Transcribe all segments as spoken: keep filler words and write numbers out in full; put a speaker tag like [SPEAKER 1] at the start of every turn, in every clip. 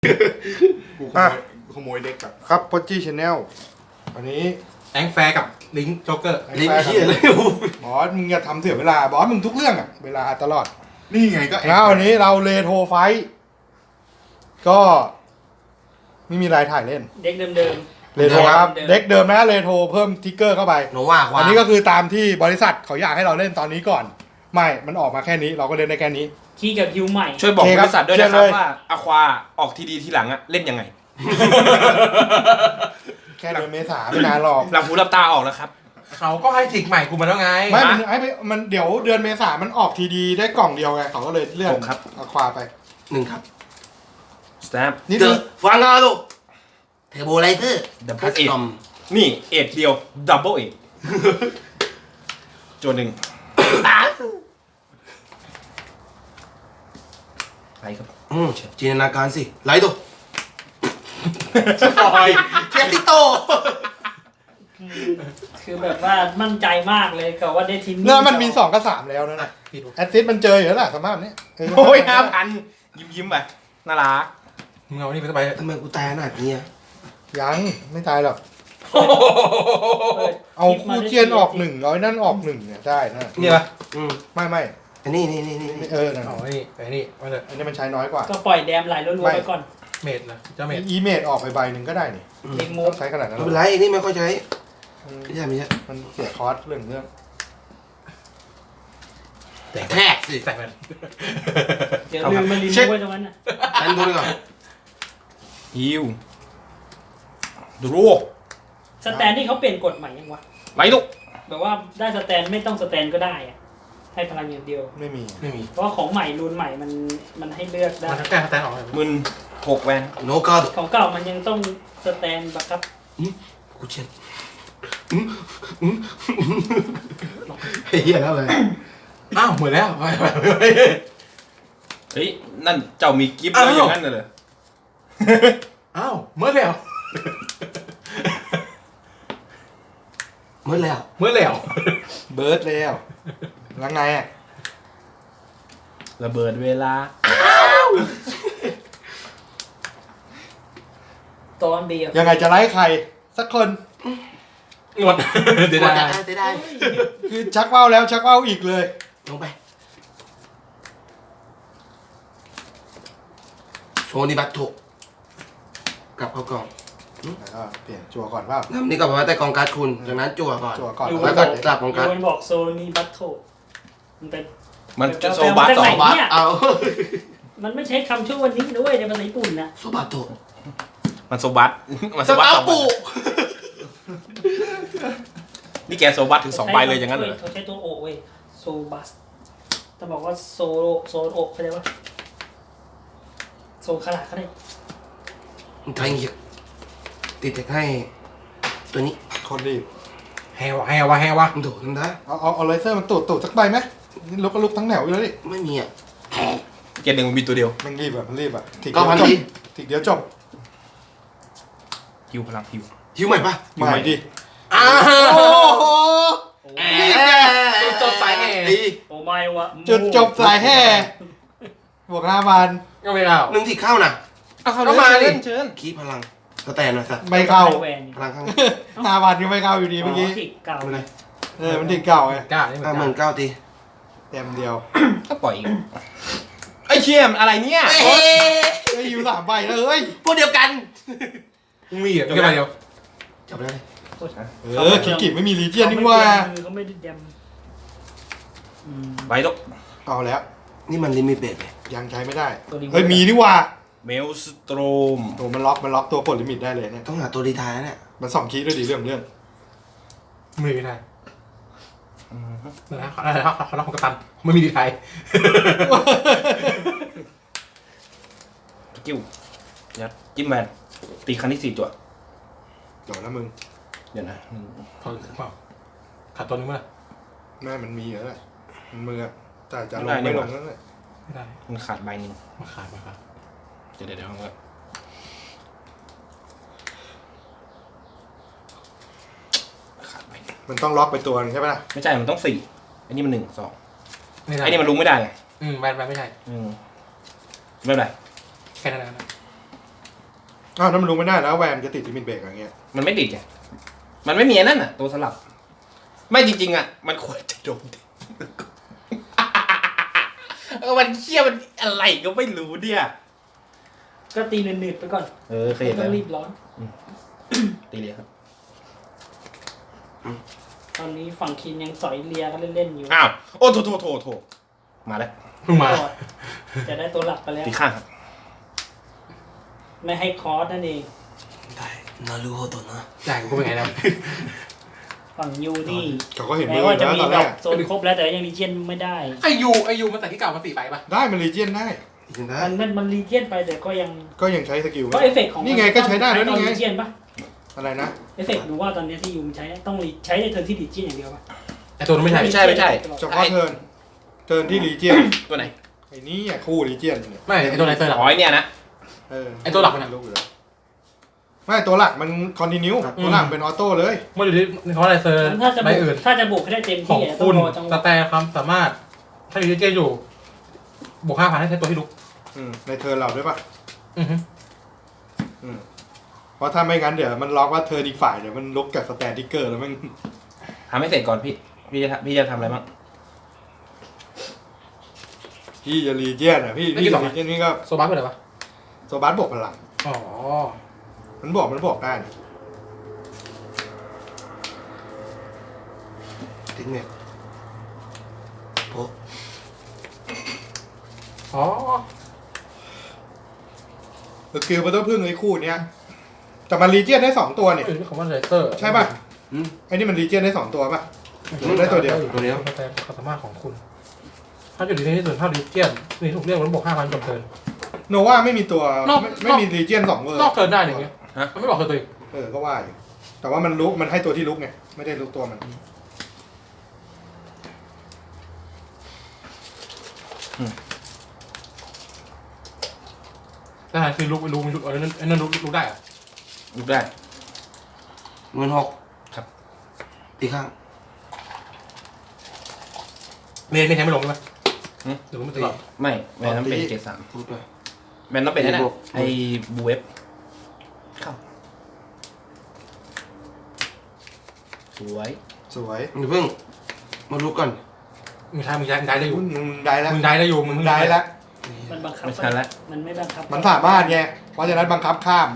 [SPEAKER 1] กูขโมยขโมยเด็กแบบครับพอจี้ชาแนลอันนี้
[SPEAKER 2] แองแฟร์กับลิงก์โจ๊กเกอร์
[SPEAKER 3] ลิงก์ที่อะไร
[SPEAKER 1] บอสมึงอย่าทำเสียเวลาบอสมึงทุกเรื่องอะเวลาตลอด
[SPEAKER 3] นี่ไงก็
[SPEAKER 1] แล้ววันนี้เราเลโทไฟก็ไม่มีรายถ่ายเล่น
[SPEAKER 4] เด็กเดิมๆ
[SPEAKER 1] เลโทครับเด็กเดิมนะเลโทเพิ่มทิกเกอร์เข้าไป
[SPEAKER 3] โนว่าควา
[SPEAKER 1] อันนี้ก็คือตามที่บริษัทเขาอยากให้เราเล่นตอนนี้ก่อนไม่มันออกมาแค่นี้เราก็เล่นได้แค่นี้
[SPEAKER 4] คีย์กับฮิวใหม่
[SPEAKER 2] ช่วยบอกบริษัทด้วยนะครับว่าอควาออกทีดีทีหลังอะเล่นยังไง
[SPEAKER 1] แค่เดือนเมษาไม่นานหรอก
[SPEAKER 2] หลับหูหลับตาออกแล้วครับ
[SPEAKER 3] เขาก็ให้ทิกใหม่กูมาแล้วไง
[SPEAKER 1] ไม่มันให้มันเดี๋ยวเดือนเมษามันออกทีดีได้กล่องเดียวไงเขาก็เลยเลื่อนเอาควาไป
[SPEAKER 3] หนึ่งครับ
[SPEAKER 2] สแตมป์
[SPEAKER 1] นี่
[SPEAKER 3] เดอะฟังอาลูกเทอร์โบไลเตอร์
[SPEAKER 2] ดับเบิลเอ็ดนี่เอ็ดเดียวดับเบิลเอ็ดโจหนึ่งไรครับ
[SPEAKER 3] อืมจินตนาการสิไลตัว
[SPEAKER 2] สปอย
[SPEAKER 3] เชฟติโต
[SPEAKER 4] คือแบบว่ามั่นใจมากเลยกับว่าได้ทีม
[SPEAKER 1] เนื้อมันมีสองกับสามแล้วนะนะแอดซิสมันเจออยู่แล้วแหละสภาพนี้
[SPEAKER 2] โอ้ยห้าพันยิ้มยิ้มไปน่ารัก
[SPEAKER 3] มึงเอานี่ไปทำไมทำไมกูตายขนาดนี้
[SPEAKER 1] ยังไม่ตายหรอกเอาคู่เทียนออกหนึ่งร้อยนั่นออกหนึ่งเนี่ยได้นะ
[SPEAKER 2] นี่ปะ
[SPEAKER 3] อืม
[SPEAKER 1] ไม่ไม่
[SPEAKER 3] อันนี้นี่นี่นี่
[SPEAKER 1] เออนั่น
[SPEAKER 2] อ๋อนี่ไอ้นี่ว่าเลย
[SPEAKER 1] อันนี้มันใช้น้อยกว่า
[SPEAKER 4] ก็ปล่อยแดมไหลรัวๆไปก่อน
[SPEAKER 2] เมดนะเจ้าเมด
[SPEAKER 1] อีเมดออกไปใบหนึ่งก็ได้นี่
[SPEAKER 4] เล็งมู
[SPEAKER 1] ใช้ขนาดนั้น
[SPEAKER 3] ไม่เป็นไรอันนี้ไม่ค่อยใช้ไม่ใช่ไม่ใช่
[SPEAKER 1] มันเสียคอร์สเรื่องเรื่อง
[SPEAKER 3] แทกสิ
[SPEAKER 2] ใส่ไป
[SPEAKER 4] เดี๋ยวลืมมันรีมูฟไว้ตรงนั้นน่ะ
[SPEAKER 3] อันดูดีกว่า
[SPEAKER 2] ฮิวดูโร
[SPEAKER 4] สแตนที่เขาเปลี่ยนกฎใหม่ยังวะ
[SPEAKER 2] ไรลูก
[SPEAKER 4] แบบว่าได้สแตนไม่ต้องสแตนก็ได้อะให้พลังอย่างเดียว
[SPEAKER 1] ไม่มี
[SPEAKER 2] ไม่มี
[SPEAKER 4] เพราะว่าของใหม่รูนใหม่มันมันให้เลือกได้
[SPEAKER 2] มันแก้สแตนออกมึนหกแวน
[SPEAKER 3] โนกาด
[SPEAKER 4] ของเก่ามันยังต้องสแตนบักครับ
[SPEAKER 3] กูเช็ดเฮียแล้วเลย
[SPEAKER 2] อ้าวเหมือนแล้วเฮ้ยนั่นเจ้ามีกิฟต์อะไรอย่างนั้นเลย
[SPEAKER 3] อ้าวเมื่อแล้วเมื่อแล้ว
[SPEAKER 2] เมื่อแล้ว
[SPEAKER 1] เบิร์ดแล้วแล้วไงอ่ะ
[SPEAKER 2] ระเบิดเวลา
[SPEAKER 4] ตอนเบียร์
[SPEAKER 1] ยังไงจะไล่ใครสักคน
[SPEAKER 2] หมดเดี๋ยวได้
[SPEAKER 3] เดี๋ยวได้
[SPEAKER 1] คือชักว่าวแล้วชักว่าวอีกเลย
[SPEAKER 3] ลงไปโซนิบัตโตกลับเข้ากล่อง
[SPEAKER 1] แล้วก็เปลี่ยนจั่วก่อนเปล่า
[SPEAKER 3] นี่ก็บอกว่าแต่กองการ์ดคุณจากนั้นจั่วก่อน
[SPEAKER 1] จั่วก่อน
[SPEAKER 3] แล้วก็กลับกองการ์ด
[SPEAKER 4] มันบอกโซนีบัตโตมันเป็น
[SPEAKER 2] มันจะโซบัตสองบัต
[SPEAKER 3] เอา
[SPEAKER 4] มันไม่ใช้คำช่ววันนี้ด้วยในภาษาญี่ปุ่นนะ
[SPEAKER 3] โซบัตโต
[SPEAKER 2] มันโซบัตมันโซบัตสองใบนี่แกโซบัตถึงสองใบเลยอย่างนั้นเหรอ
[SPEAKER 4] เขาใช้ตัวโอเว้ยโซบัสจะบอกว่าโซโซโอเข้าใจว่าโซขนาดเขาได้
[SPEAKER 3] ไทยเงียบติดแต่ให้ตัวนี้
[SPEAKER 1] คนรีบ
[SPEAKER 2] แฮวะแฮวะแฮวะ
[SPEAKER 3] โดดทำได้
[SPEAKER 1] เอาเอาเอาเลเซอร์มันตูดตูดสักใบไหมนี่ลุกก็ลุกทั้งแถวอยู่แล้วดิ
[SPEAKER 3] ไม่มีอ่ะ
[SPEAKER 2] เกียร์หนึ่งมันมีตัวเดียว
[SPEAKER 1] มันรีบแบบมันรีบแบบ
[SPEAKER 3] ถีกก็พันที
[SPEAKER 1] ถีกเดียวจบ
[SPEAKER 2] ฮิวพลังฮิว
[SPEAKER 3] ฮิวใหม่ปะ
[SPEAKER 1] ใหม่ดิ
[SPEAKER 3] อ้าว
[SPEAKER 2] จุดจบสายแห่
[SPEAKER 4] โอ้ไม่วะ
[SPEAKER 1] จุดจบสายแห่บวกห้าพัน
[SPEAKER 2] ก็ไม่เอา
[SPEAKER 3] หนึ่งที่เข้าน่ะ
[SPEAKER 2] ก็มาเล่นเชิญ
[SPEAKER 3] คีพลังสแตนนะสัตว์
[SPEAKER 1] ไม่เข้า
[SPEAKER 3] พลังข้าง
[SPEAKER 1] ห้าพันก็ไม่เข้าอยู่ดีเมื่อกี้
[SPEAKER 4] เก่า
[SPEAKER 3] เลย
[SPEAKER 1] เออมันถีกเก่าไง
[SPEAKER 2] เก้า
[SPEAKER 3] ห้าหมื่นเก้าตี
[SPEAKER 1] เต็มเดียว
[SPEAKER 2] ก็ปล่อยอีกไอ้เชี่ยมอะไรเนี่ย
[SPEAKER 1] ไอ้ยูสามใบแล้วเฮ้ย
[SPEAKER 3] พวกเดียวกัน
[SPEAKER 2] มีอ่ะแค่ใบเดียว
[SPEAKER 3] จับได้เลย
[SPEAKER 1] เออคิกิไม่มีลีเจียนนี่ว่า
[SPEAKER 4] เขาไม่ได้เดม
[SPEAKER 2] ใบตก
[SPEAKER 1] เอาแล้ว
[SPEAKER 3] นี่มันลิมิตเบรก
[SPEAKER 1] ยังใช้ไม่ได้เฮ้ยมีนี่ว่า
[SPEAKER 2] เมลสโตรม
[SPEAKER 1] โอ้มันล็อกมันล็อกตัวปลดลิมิตได้เลยเนี่ย
[SPEAKER 3] ต้องหาตัวดีทายแล้วเนี่ย
[SPEAKER 1] มันสองคีย์ด้วยดิเรื่องเรื่อง
[SPEAKER 2] ไม่มีได้นะอะไรครับเขาล็อกของกระตันไม่มีดีไทยกิ้วยัดจิ้มแมนตีครั้งที่สี่จั่ว
[SPEAKER 1] จบแล้วมึง
[SPEAKER 2] เดี๋ยวนะพอเปล่าขาดตัวนึงมั้ย
[SPEAKER 1] แม่มันมีเหรอเนี่ยมันมือแต่จะลงไม่ลงนั่นแหละ
[SPEAKER 2] ไม่ได้มันขาดใบนึงมันขาดมาครับเดี๋ยวเดี๋ยวเดี๋ยวขาดใบ
[SPEAKER 1] มันต้องล็อกไปตัวนึงใช่ไหมล่ะ
[SPEAKER 2] ไม่ใช่มันต้องสี่อันนี้มันหนึ่งสองไอ้นี่มันลุกไม่ได้ไง
[SPEAKER 3] อืมแบนแบนไม่ใช่
[SPEAKER 2] อืมไม่เป็นไร
[SPEAKER 3] แค่นั้นนะ
[SPEAKER 1] อ้าวนั่นมันรู้ไม่ได้แล้วแวร์มนจะติดลิมิตเบรกอย่างเงี้ย
[SPEAKER 3] มันไม่ติดไงมันไม่มีอันนั่นอ่ะ ตัวสลับ ไม่จริงๆอ่ะ มันควรจะโดน เออมันเชี่ยมันอะไรก็ไม่รู้เนี่ย
[SPEAKER 4] ก็ตีหนืดๆไปก่อน
[SPEAKER 3] เออเคย
[SPEAKER 4] ไม่
[SPEAKER 3] เห็น
[SPEAKER 4] ต้
[SPEAKER 3] แล้
[SPEAKER 4] อง
[SPEAKER 3] ว
[SPEAKER 4] รีบร้อน
[SPEAKER 3] ตีเลยครับ
[SPEAKER 4] ตอนนี้ฝั่งคินยังสอยเลียกันเล่นๆอยู่
[SPEAKER 3] อ้าว โอ้โถโถโถโถมาแล้ว
[SPEAKER 2] เพิ่งมา
[SPEAKER 4] ก็จะได้ตัวหลักไปแล้ว
[SPEAKER 3] ตีข้างครับ
[SPEAKER 4] ไม่ให้คอร์สนั่นเอง
[SPEAKER 3] ได้นารูโฮโตะนะ
[SPEAKER 2] จ่ายกูเป็นไงนะ
[SPEAKER 4] ฝั่งยูนี่
[SPEAKER 1] เขาก็เห็นมื
[SPEAKER 4] แม้
[SPEAKER 1] อ
[SPEAKER 4] ว่าจะ
[SPEAKER 1] แล้ว
[SPEAKER 4] มี
[SPEAKER 1] ตอน
[SPEAKER 4] ด
[SPEAKER 1] แร
[SPEAKER 4] อก กโซนครบแล้วแต่ยังรีเจียนไม่ได้
[SPEAKER 2] ไอยูไอยูมันแต่ที่เก่ามันสี่ใบปะ
[SPEAKER 1] ได้มันรีเจียนได้
[SPEAKER 3] จริงได้
[SPEAKER 4] มันมันมันรีเจียนไปแต่ก็ยัง
[SPEAKER 1] ก็ยังใช้สกิล
[SPEAKER 4] ก็เอฟเฟกต์ของ
[SPEAKER 1] นี่ไงก็ใช้ได้แล้วนี่ไง
[SPEAKER 4] รีเจียนปะ
[SPEAKER 1] อะไรนะ
[SPEAKER 4] เอฟเฟกต์ดูว่าตอนนี้ที่ยูมใช้ต้องรีใช้ในเทิร์นที่รีเจียนอย่างเดียวปะ
[SPEAKER 2] ไอตัวนั้นไม่ใช่
[SPEAKER 3] ไม่ใช่ไม่ใช่
[SPEAKER 1] เฉพาะเทิร์นเทิร์นที่รีเจียน
[SPEAKER 3] ตัวไหน
[SPEAKER 1] ไอ้นี่อ่ะคู่รีเจียนเนี่ย
[SPEAKER 2] ไม่ไอตัวไหนเซอร์หลัก
[SPEAKER 3] อ๋อไอ้เนี่ยนะ
[SPEAKER 1] เออ
[SPEAKER 2] ไอ้ตัวหลักมันอะ
[SPEAKER 1] รู้อยู่แล้วไม่ตัวหลักมันคอนติเนียตัวหลักเป็นออโต้เลย
[SPEAKER 2] ไม่อยู่ที่เขาอะไรเซอร์
[SPEAKER 4] ถ้าจะ
[SPEAKER 2] ใบ
[SPEAKER 4] บุก
[SPEAKER 2] อื่น
[SPEAKER 4] ถ้าจะบุกให้ได้เต็ม
[SPEAKER 2] ของ
[SPEAKER 4] ที่อะต้อ
[SPEAKER 2] คุ
[SPEAKER 4] ง
[SPEAKER 2] ณ
[SPEAKER 4] รอจังห
[SPEAKER 2] ส
[SPEAKER 4] วะ
[SPEAKER 2] แตนความสามารถ ถ้าอยู่ที่เจอยู่บวกห้าพันให้ใช้ตัวที่ลุก
[SPEAKER 1] อืมในเทิร์นเราด้วยป่ะ
[SPEAKER 2] อือฮึ
[SPEAKER 1] อืมเพราะถ้าไม่งั้นเดี๋ยวมันล็อกว่าเทิร์นอีกฝ่ายเดี๋ยวมันลุกกับสแตนติกเกอร์แล้วมัน
[SPEAKER 3] ทำให้เสร็จก่อนพี่ พี่จะทำพี่จะทำอะไรบ้าง
[SPEAKER 1] พี่จะรีเจียนอ่ะพี่พี่จะรีเจียนนี่ก็
[SPEAKER 2] โซบัสเป็นอะไรปะ
[SPEAKER 1] โซบัสบวกพลัง
[SPEAKER 2] อ๋อ
[SPEAKER 1] มันบวกมันบวกได้นะ
[SPEAKER 3] ทิ้งเนี่ยโอ้
[SPEAKER 2] อ๋อ
[SPEAKER 1] สกิลมันต้องพึ่งไอ้คู่เนี้ยแต่มันรีเจียนได้สองตัวเนี่ย
[SPEAKER 2] อยู่ที่คำว่าเลเซอร์
[SPEAKER 1] ใช่ป่ะ
[SPEAKER 3] อืม
[SPEAKER 1] ไอ้นี่มันรีเจียนได้สองตัวป่ะหรือได้ตัวเดียว
[SPEAKER 3] ตัวเดียว
[SPEAKER 2] สแตนความสามารถของคุณ ถ้าอยู่ในที่ส่วนเท่าดิเจียนนี่ถูกเรียกว่าบวกห้าพันจบเทิร์น
[SPEAKER 1] โนว่าไม่มีตัวน
[SPEAKER 2] อก
[SPEAKER 1] ไม่ไม่มีรีเจียนสองเวอร์
[SPEAKER 2] นอกเทิร์นได้อย่างเงี้ย
[SPEAKER 3] ฮะ
[SPEAKER 2] มันไม่บอกเทิร์นตัวเอง
[SPEAKER 1] เออก็ว่าอยู่แต่ว่ามันลุกมันให้ตัวที่ลุกไงไม่ได้ลุกตัวมัน
[SPEAKER 2] แต่คือลุกไปลุกมันลุกอันนั้นอันนั้นลุกลุกได้อะ
[SPEAKER 3] ลุกได้
[SPEAKER 5] หมื่นหก
[SPEAKER 3] ครับ
[SPEAKER 5] ตีข้าง
[SPEAKER 2] เมนเมนแทงไม่ลงใช่ไหมหรือว่ามันตลอด
[SPEAKER 3] ไม่แมนต้องเป็นเกรดสาม
[SPEAKER 5] พูดด้วย
[SPEAKER 3] แมนต้องเป็นนั่น
[SPEAKER 5] บ
[SPEAKER 3] น่ะ
[SPEAKER 5] วก
[SPEAKER 3] ไอ้บูเวฟเข้าสวย
[SPEAKER 1] สวย
[SPEAKER 5] อย่าเพิ่งมารู้ก่อน
[SPEAKER 2] มึงใช้มึงใช้มึงได้ได้อยู่
[SPEAKER 1] มึงมึงได้แล้ว
[SPEAKER 2] มึงได้ได้อยู่มึง
[SPEAKER 1] มึงได้แล้ว
[SPEAKER 4] มันบังคับ
[SPEAKER 3] ไม่ทันละ
[SPEAKER 4] มันไม่บังคับ
[SPEAKER 1] มันสามารถไงเพราะฉะนั้นบังคับข้าม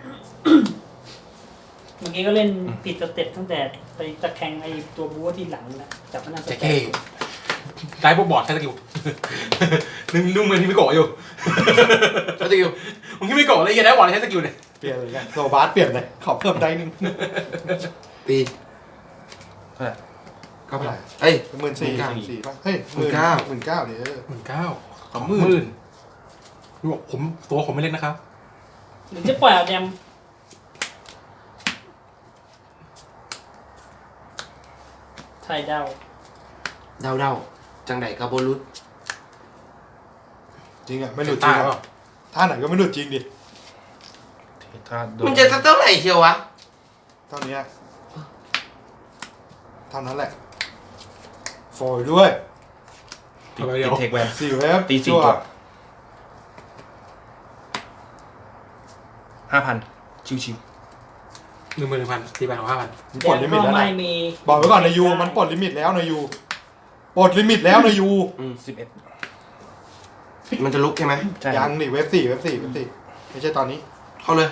[SPEAKER 4] เมื่อกี้ก็เล่นผิดสเต็ปตั้งแต่ไปตะแคงไอ้ตัวบู๊ที่หลังนะจับมันน่าส
[SPEAKER 2] เจ๊
[SPEAKER 4] เต็
[SPEAKER 2] เก้
[SPEAKER 4] ป
[SPEAKER 2] ได้พวกบอร์ดใช้สกิลนึกนึกเหมือนที่ไม่โกะอยู่
[SPEAKER 5] ใช้สกิล
[SPEAKER 2] มึงที่ไม่โกะเลยยังได้บอร์ดใช้สกิลเนี่ย
[SPEAKER 1] เปลี่ยนเลยไงโซบาสเปลี่ยนเลยขอเพิ่มได้นึง
[SPEAKER 5] ตี
[SPEAKER 3] เท่าไหร่
[SPEAKER 5] เก้าพันเอ้ย
[SPEAKER 1] หมื่นสี่
[SPEAKER 5] หมื่นเก้า
[SPEAKER 1] สี่ป่ะเฮ้ย
[SPEAKER 5] หมื่นเก้า
[SPEAKER 1] หมื่นเก้าเดี๋ยว
[SPEAKER 2] หมื่นเก้า
[SPEAKER 1] สองหมื่น
[SPEAKER 2] หมื่นดูบอกผมตัวผมไม่เล่นนะครับ
[SPEAKER 4] หรือจะปล่อยเอาแดมไทยดาว
[SPEAKER 5] เดาเดาจังไดกับโบลุส
[SPEAKER 1] จริงอ่ะไม่หลุดจริง
[SPEAKER 2] ตา
[SPEAKER 1] อะ
[SPEAKER 2] เปล่า
[SPEAKER 1] ท่าไหนก็ไม่หลุดจริงดิ
[SPEAKER 3] ถ้าโด
[SPEAKER 5] มันจะเท่าไหร่เชียววะ
[SPEAKER 1] เท่านี้เท่านั้นแหละโฟยด้วย
[SPEAKER 3] ติดติดเทคแวน
[SPEAKER 1] สี่เว็บ
[SPEAKER 3] ตีสี่
[SPEAKER 1] จั่ว
[SPEAKER 3] ตัวห้าพันชิว
[SPEAKER 2] หนึ่งหมื่นหนึ่งพันตีไปของห้าพัน
[SPEAKER 1] มัน
[SPEAKER 4] แด
[SPEAKER 1] ปลด
[SPEAKER 4] ม
[SPEAKER 1] ลิมิต
[SPEAKER 4] ก็
[SPEAKER 1] แล้ว
[SPEAKER 4] ไม่
[SPEAKER 1] นะ
[SPEAKER 4] มี
[SPEAKER 1] บอกไว้ก่อนในยูมันปลดลิมิตแล้วในยูปลดลิมิตแล้วในยู
[SPEAKER 3] ๆสิบเอ็ด
[SPEAKER 5] มันจะลุกใช่ไหม
[SPEAKER 3] ใช่
[SPEAKER 1] ยังนี่เว็บสี่เว็บสี่เว็บสี่ไม่ใช่ตอนนี้
[SPEAKER 5] เข้าเลย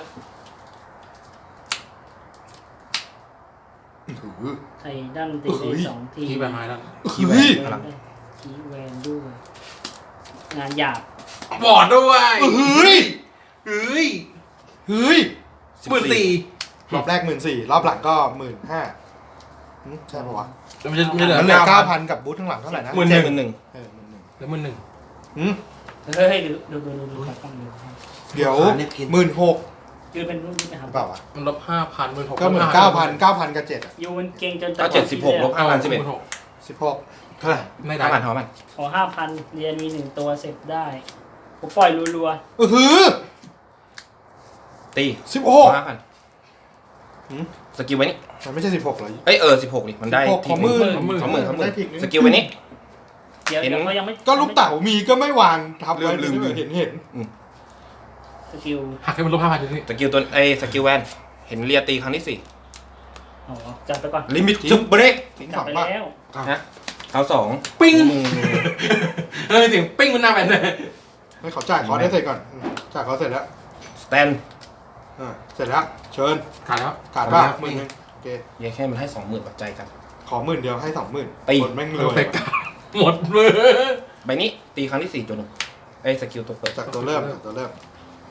[SPEAKER 4] ไทยดันตีได้สองที
[SPEAKER 2] ตีไปหายแล้ว
[SPEAKER 3] คีย์แวนพลัง
[SPEAKER 4] คีย์แวนด้วยงานหยาบบ
[SPEAKER 2] อร์ดด้วย
[SPEAKER 1] เฮ้ย
[SPEAKER 2] เฮ้ย
[SPEAKER 1] เฮ้ย
[SPEAKER 2] หมื่นสี่
[SPEAKER 1] รอบแรกหมื่นสี่รอบหลังก็หมื่นห้าใช่ปะวะ
[SPEAKER 2] แล้วมันจะไม่เหลือ
[SPEAKER 1] มันเหลือ
[SPEAKER 2] เก้า
[SPEAKER 1] เก้า
[SPEAKER 2] พั
[SPEAKER 1] พั
[SPEAKER 2] น
[SPEAKER 1] นกับบูธข้างหลังเท่าไหร่นะ
[SPEAKER 2] หมื่น
[SPEAKER 3] เจ็ดหมื่นหนึ่ง
[SPEAKER 1] เออหมื่นหนึ่ง
[SPEAKER 2] แล้วหมื่นหนึ่ง
[SPEAKER 1] หืม
[SPEAKER 4] เฮ้ยดูดูดูดูดูกล้องดู
[SPEAKER 1] เดี๋ยวหมื่นหก
[SPEAKER 4] ยืนเป็นรุ่นนี้นะครับ
[SPEAKER 1] เปล่าวะ
[SPEAKER 2] มันลบห้าพันหมื่นหก
[SPEAKER 1] ก็เหมือนเก้าพันเก้าพันกับเจ็ดอ่ะ
[SPEAKER 4] ยูมันเก่งจน
[SPEAKER 3] ก็เจ็ดสิบหกลบห้าพันสิบเอ็ด
[SPEAKER 1] สิบหกเท่าไหร่
[SPEAKER 2] ไม่ได้
[SPEAKER 3] ห้าพันห้าพัน
[SPEAKER 4] ขอห้าพันเรียนมีหนึ่งตัวเสร็จได้ผมปล่อยรัว
[SPEAKER 1] เออหือ
[SPEAKER 3] ตี
[SPEAKER 1] สิบหก
[SPEAKER 3] ห้าพัน
[SPEAKER 1] หืม
[SPEAKER 3] สกิลไว้นี่
[SPEAKER 1] มันไม่ใช่สิบหกเหรอ
[SPEAKER 3] เอ้ยเออสิบหกดิมันได้
[SPEAKER 1] สิบหก
[SPEAKER 3] ที
[SPEAKER 1] ของ
[SPEAKER 3] ห
[SPEAKER 1] หมื่
[SPEAKER 3] นึ่
[SPEAKER 1] น
[SPEAKER 3] งสองหมื่นสองหมื่น
[SPEAKER 1] ได้ทีนึง
[SPEAKER 3] สกิลไว้นี่
[SPEAKER 4] ๆเดี๋ยว
[SPEAKER 3] เห็น
[SPEAKER 4] เดี๋ยวเขายังไม่
[SPEAKER 1] ก็ลูกเต่ามีก็ไม่วางทับไว้
[SPEAKER 3] ลืมลืม
[SPEAKER 1] เห็นเห็น
[SPEAKER 4] สกิล
[SPEAKER 2] หักให้มันลบห้าพันอยู่นี่
[SPEAKER 3] สกิลตัวไอ้สกิลแวนเห็นเรียตีครั้งที่สี่
[SPEAKER 4] อ๋อจัดไปก่อน
[SPEAKER 3] ลิมิตจุบเบรก
[SPEAKER 1] ทิ้ง
[SPEAKER 4] จั
[SPEAKER 1] ส
[SPEAKER 4] ด
[SPEAKER 1] อง
[SPEAKER 4] ไป
[SPEAKER 1] ป่ะ
[SPEAKER 4] แล้ว
[SPEAKER 3] ฮะเขาสอง
[SPEAKER 2] ปิ้ง
[SPEAKER 3] มึง
[SPEAKER 2] เออเสียงปิ้งมันหน้าแบนเลย
[SPEAKER 1] ไม่ขอจ่ายคอร์สได้เสร็จก่อนอืมจ่ายคอร์สเสร็จแล้ว
[SPEAKER 3] สแตน
[SPEAKER 1] อ่าเสร็จแล้วเชิญ
[SPEAKER 2] ขาดแล้ว
[SPEAKER 1] ขาดป่ะหมื่นหนึงโอเค
[SPEAKER 3] เยังแค่มันให้สองหมื่นปัจจัยกัน
[SPEAKER 1] ขอหมื่นเดียวให้สองหมื่น
[SPEAKER 3] ตี
[SPEAKER 1] คนแม่งร
[SPEAKER 2] โปร
[SPEAKER 1] วย
[SPEAKER 2] เฟกต์หมดมือ
[SPEAKER 3] ใบนี้ตีครั้งที่สี่จนหนึ่งไอ้สกิลตัวเปิด
[SPEAKER 1] จากตัวเริ่มจากตัวเริ่ม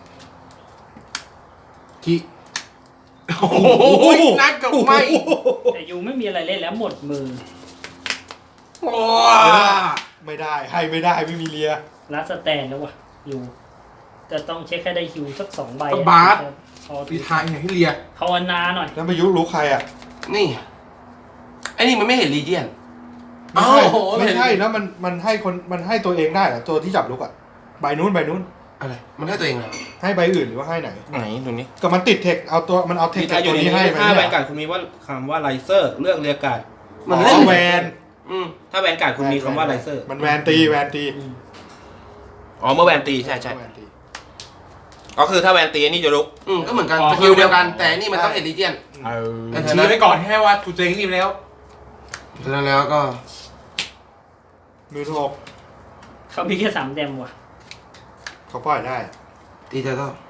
[SPEAKER 2] ที่โอ้โหนักกับไม่
[SPEAKER 4] แต่ยูไม่มีอะไรเล่นแล้วหมดมือ
[SPEAKER 2] โอ้
[SPEAKER 1] ไม่ได้ให้ไม่ได้ไม่มีเลีย
[SPEAKER 4] รัดสแตนแล้ววะยูจะต้องเช็คให้ได้ฮิวสักสองใบ
[SPEAKER 2] ก็บาส
[SPEAKER 4] พอ
[SPEAKER 2] ปีทายไงให้เลีย
[SPEAKER 4] ภาวนาหน่อย
[SPEAKER 1] แล้วมายุรู้ใครอ่ะ
[SPEAKER 5] นี่ไอ้นี่มันไม่เห็นลีเจียน
[SPEAKER 1] ไม่ใช่
[SPEAKER 2] โอ้โห
[SPEAKER 1] ไม่ใช่นะมันมันให้คนมันให้ตัวเองได้เหรอตัวที่จับลูกอ่ะใบนู้นใบนู้น
[SPEAKER 5] อะไรมันให้ตัวเองเหรอ
[SPEAKER 1] ให้ใบอื่นหรือว่าให้ไหน
[SPEAKER 3] ไหนตรงนี้
[SPEAKER 1] ก็มันติดเทคเอาตัวมันเอาเทค
[SPEAKER 3] มี
[SPEAKER 1] จาก
[SPEAKER 3] อ
[SPEAKER 1] ตัว
[SPEAKER 3] ยู่ใน
[SPEAKER 1] นี้
[SPEAKER 3] นี้
[SPEAKER 1] ให้ไป
[SPEAKER 3] ถ้า
[SPEAKER 1] เนี่
[SPEAKER 3] แวน
[SPEAKER 1] ย
[SPEAKER 3] การ์ดคุณมีว่าคำว่าไลเซอร์เลือกเรียกการ์ด
[SPEAKER 5] มัน
[SPEAKER 1] อ๋
[SPEAKER 5] เล่น
[SPEAKER 1] อแวน
[SPEAKER 5] อืม
[SPEAKER 3] ถ้าแวนการ์ดคุณมีคำว่าไลเซอร์
[SPEAKER 1] มันแวนตีแวนตี
[SPEAKER 3] อ๋อเมื่อแวนตีใช่ใช่
[SPEAKER 1] แวนตี
[SPEAKER 3] ก็คือถ้าแวนตีอันนี่จะลุก
[SPEAKER 5] อืมก็เหมือนกันสกิลเดียวกัน แต่นี่มันต้องเห็นลีเจียน
[SPEAKER 3] เออ
[SPEAKER 5] แต่
[SPEAKER 2] ชี้ไว้ก่อนแค่ว่าถูกตัวเองนี่ไปแล้ว
[SPEAKER 5] ฉะนั้นแล้วก็
[SPEAKER 1] มือหก
[SPEAKER 4] เขามีแค่สามแดมว่ะ
[SPEAKER 1] เขาปล่อยได้
[SPEAKER 5] ตีเทอร์เทิล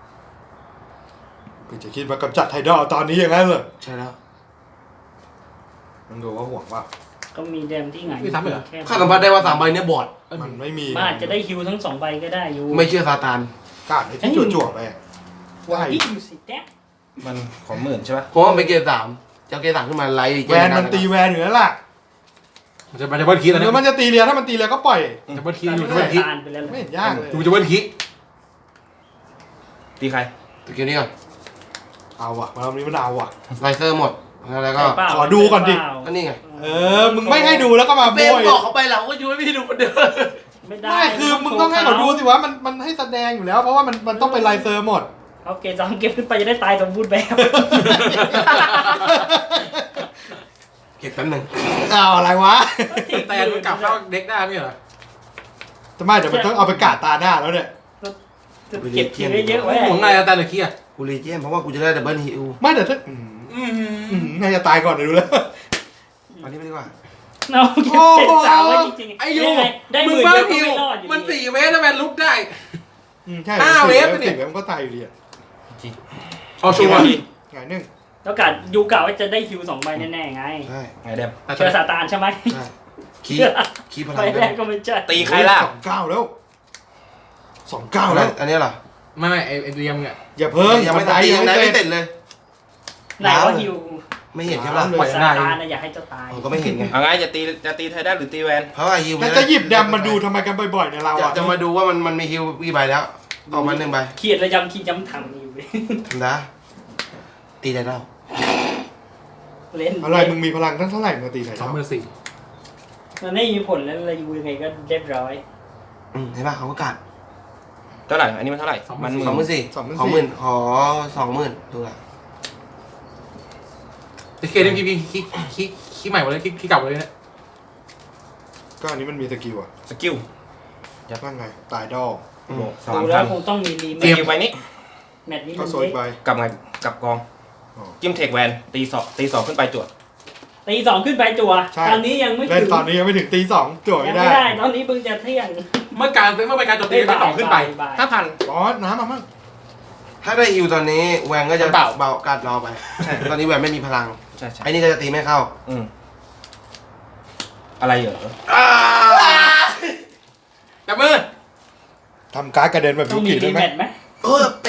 [SPEAKER 1] กูจะคิดว่ากำจัดไทดอลตอนนี้อย่างนั้นเหรอ
[SPEAKER 5] ใช่แล้ว
[SPEAKER 1] มันดูว่าห่วงว่า
[SPEAKER 4] ก็มีแดมที่ไหน
[SPEAKER 2] มีซ้ำเหรอ
[SPEAKER 4] แค่
[SPEAKER 5] ข้าสัมผัสได้ว่าสามใบเนี้ยบอด
[SPEAKER 1] มันไม่มี
[SPEAKER 4] มันอาจจะได้ฮิวทั้งสองใบก็ได้ยู
[SPEAKER 5] ไม่เชื่อซาตาน
[SPEAKER 1] กาดไอ้ที่จั่วๆไปอะว่า
[SPEAKER 4] นี่ยูสิแดม
[SPEAKER 3] มันของหมื่นใช่ปะ
[SPEAKER 5] เพราะว่ามันเป็นเกมสามจะเอาเกมสามขึ้นมาไล่ลีเจี
[SPEAKER 1] แวย
[SPEAKER 5] น
[SPEAKER 1] นมันตีแวนอยู่แล้วล่ะ
[SPEAKER 2] มันจะมันจะเบิ้ลคีแล้ว
[SPEAKER 1] เดี๋ยวมั
[SPEAKER 2] นะ
[SPEAKER 1] นจะตีเรียถ้ามันตีเรียก็ปล่อย
[SPEAKER 2] จะเบิ้ลคี
[SPEAKER 4] ตา
[SPEAKER 2] อยู่จะเบิ้ลคี
[SPEAKER 4] ตาลไปแล้ว
[SPEAKER 1] ไม่เห็นยากเลย
[SPEAKER 2] อยู่จะเบิ้ลคี
[SPEAKER 3] ตีใคร
[SPEAKER 5] สกิลนี้ก่อน
[SPEAKER 1] เอาว่ะมารอบนี้มันเอาว่ะ
[SPEAKER 5] ไลเซอร์หมดแล้วก็
[SPEAKER 4] ใช่เปล่า
[SPEAKER 1] ขอดูก่อนดิ
[SPEAKER 5] ก็นี่ไง
[SPEAKER 1] เออมึงไม่ให้ดูแล้วก็มา
[SPEAKER 5] เบ
[SPEAKER 1] โบ
[SPEAKER 5] ม
[SPEAKER 1] ย
[SPEAKER 5] บอกเขาไปเราก็ช่วยไม่ได้ดูคนเดิม
[SPEAKER 4] ไม่ได้
[SPEAKER 1] ไม่คือมึงต้องให้เขาดูสิว่ามันมันให้แสดงอยู่แล้ว เพราะว่ามันมันต้องเป็นไลเซอร์หมด
[SPEAKER 4] เอาเกมสองเกมขึ้นไปจะได้ตายสมบูรณ์แบบ
[SPEAKER 5] เก็บแป๊บหนึง
[SPEAKER 1] เอาอะไรวะ
[SPEAKER 2] แต่มันกลับเข้าเด็กได้ไม่เหรอ
[SPEAKER 1] ทำไมเดี๋ยวมันต้องเอาไปกาดตาหน้าแล้วเนี่ย
[SPEAKER 4] จะเก็บทีไว้เยอะไว้
[SPEAKER 2] หมุนไงแต่ละคีอ่ะ
[SPEAKER 5] กูรีเจียนเพราะว่ากูจะได้ดับเบิลฮิล
[SPEAKER 1] ไม่แต่ถ้าอืม
[SPEAKER 2] อืม
[SPEAKER 1] อืมน่าจะตายก่อนเดี๋ยวดูแล้ว
[SPEAKER 5] อันนี้ไม่ดีกว่า
[SPEAKER 4] เอาเก็บเจ็ดสามไว้จริงๆ
[SPEAKER 2] ไอ้ยู
[SPEAKER 4] ยังงได้ห
[SPEAKER 2] มึง
[SPEAKER 4] มื่น
[SPEAKER 2] บ้า
[SPEAKER 4] เดียวก็
[SPEAKER 2] พิว
[SPEAKER 4] ไม่รอดอยู่
[SPEAKER 2] มัน
[SPEAKER 4] ดี
[SPEAKER 2] สี่เมตรแล้วแมนลุกได้
[SPEAKER 1] อืมใช่
[SPEAKER 2] ห้า
[SPEAKER 1] สิบ
[SPEAKER 2] เวฟ
[SPEAKER 1] สิบ
[SPEAKER 2] เนี่ย
[SPEAKER 1] เวฟมันก็ตายอยู่ดีอะ
[SPEAKER 2] เอาชัวร์
[SPEAKER 1] ไงหนึ่ง
[SPEAKER 4] แล้วกะยูกะว่าจะได้คิวสองใบแน่ๆไง
[SPEAKER 5] ใช่
[SPEAKER 3] ไงเดม
[SPEAKER 4] เชื่อซาตานใช่ไหม
[SPEAKER 5] ใช่คีคีพลั
[SPEAKER 4] ใบ
[SPEAKER 5] ง
[SPEAKER 4] แรกก็ไม่ใช่
[SPEAKER 3] ตีใครล่ะ
[SPEAKER 1] สองเก้าแล้วสองเก้า
[SPEAKER 5] เอา
[SPEAKER 1] แล้
[SPEAKER 5] แล้ว วอันนี้เหรอ
[SPEAKER 2] ไม่ไม่ไอ้ไอ้เรียมเนี่ย
[SPEAKER 1] อย่าเพิ่ง
[SPEAKER 5] ยังไม่
[SPEAKER 1] บัน
[SPEAKER 5] ตาย
[SPEAKER 1] ด
[SPEAKER 5] ยังได้
[SPEAKER 1] ไม่
[SPEAKER 5] ไม่
[SPEAKER 1] เสร็
[SPEAKER 5] เสร็
[SPEAKER 1] จ
[SPEAKER 5] จเลย
[SPEAKER 4] ไหนว่าฮิว
[SPEAKER 5] ไม่เห็นใช่ปะ
[SPEAKER 2] ปล่อย
[SPEAKER 4] ซา
[SPEAKER 2] ได้
[SPEAKER 4] ตานนะอยากให้เจ้าตาย
[SPEAKER 5] ผมก็ไม่เห็นไง
[SPEAKER 3] เอาไงจะตีจะตีไทยได้หรือตีแวน
[SPEAKER 5] เพราะว่าฮิว
[SPEAKER 1] แล้วจะหยิบแดมมาดูทำไมกันบ่อยๆเนี่ยเรา
[SPEAKER 5] จะ
[SPEAKER 1] อะ
[SPEAKER 5] จะมาดูว่ามันมันมีฮิวกี่ใบแล้วออกมาหนึ่งใบ
[SPEAKER 4] เขียนระยำขีดย้ำถังอยู่เลย
[SPEAKER 5] ทำได้ตีได้แล้ว
[SPEAKER 4] เล่น
[SPEAKER 1] อะไรมึงมีพลังตั้งเท่าไหร่มึงตีไหน
[SPEAKER 2] สอง
[SPEAKER 1] เท่า
[SPEAKER 2] หมื่นสี่
[SPEAKER 4] มันไม่มีผลแล้วระยูยังไงก็เรียบร้อย
[SPEAKER 5] อืมเห็นปะเขาก็กัด
[SPEAKER 3] เท่าไหร่อันนี้มันเท่าไหร่มันห
[SPEAKER 5] สองห
[SPEAKER 3] มื่
[SPEAKER 5] มื่
[SPEAKER 3] น
[SPEAKER 5] นสี่สองหมื่นขอสองหมื่นดูละ
[SPEAKER 2] ไอ้เคนี่คีคีคีคีใหม่หมดเลยคีคีเก่าหมดเลยเนี่ย
[SPEAKER 1] ก็อันนี้มันมีสกิลอะ
[SPEAKER 3] สกิล
[SPEAKER 1] ว่าไงตายดอล
[SPEAKER 5] อืม
[SPEAKER 3] สา
[SPEAKER 4] ดู
[SPEAKER 3] ม
[SPEAKER 4] แล้
[SPEAKER 3] พั
[SPEAKER 4] วน คงต้องมีรี
[SPEAKER 3] ส
[SPEAKER 4] แม
[SPEAKER 3] กิ
[SPEAKER 4] ท
[SPEAKER 3] ลใบนี้
[SPEAKER 4] แมทนี้
[SPEAKER 1] ก็
[SPEAKER 4] มัน
[SPEAKER 1] โซย
[SPEAKER 4] เล็ก
[SPEAKER 1] ใบ
[SPEAKER 3] กลับไงกลับกอง
[SPEAKER 1] อ๋อ
[SPEAKER 3] จิ้มเทคแวนตีสองตีสองขึ้นไปจวด
[SPEAKER 4] ตีสองขึ้นไปจั่ว
[SPEAKER 1] ใช่
[SPEAKER 4] ตอนนี้ยังไม่
[SPEAKER 1] เล่
[SPEAKER 4] ถึ
[SPEAKER 1] น
[SPEAKER 4] ง
[SPEAKER 1] ตอนนี้ยังไม่ถึงตีสองจั่ว
[SPEAKER 4] ยั
[SPEAKER 1] ไม่
[SPEAKER 4] ง
[SPEAKER 1] ได้
[SPEAKER 4] ไม่ได้ตอนนี้เพิ่งจะเที่ยง
[SPEAKER 2] เมื่อการเมื่อเป็นการโจมตีไปต่อขึ้นไป
[SPEAKER 4] บ่าย
[SPEAKER 3] ห้าพัน
[SPEAKER 1] อ๋อน้ำมามั่ง
[SPEAKER 5] ถ้าได้ฮิวตอนนี้แวนก็จะ
[SPEAKER 3] เบา
[SPEAKER 5] เบากัดรอไป
[SPEAKER 3] ใช่
[SPEAKER 5] ตอนนี้แวนไม่มีพลัง
[SPEAKER 3] ใช่ใช่
[SPEAKER 5] ไอ้นี่ก็จะตีไม่เข้า
[SPEAKER 3] อืมอะไรเหรอ
[SPEAKER 2] จับมือ
[SPEAKER 1] ทำการ์ดกระเด็นแบบ
[SPEAKER 4] ต้อ
[SPEAKER 1] ยุ
[SPEAKER 4] งมี
[SPEAKER 1] กิได้
[SPEAKER 4] รี
[SPEAKER 1] ไหม
[SPEAKER 4] แมทไหม
[SPEAKER 5] เออ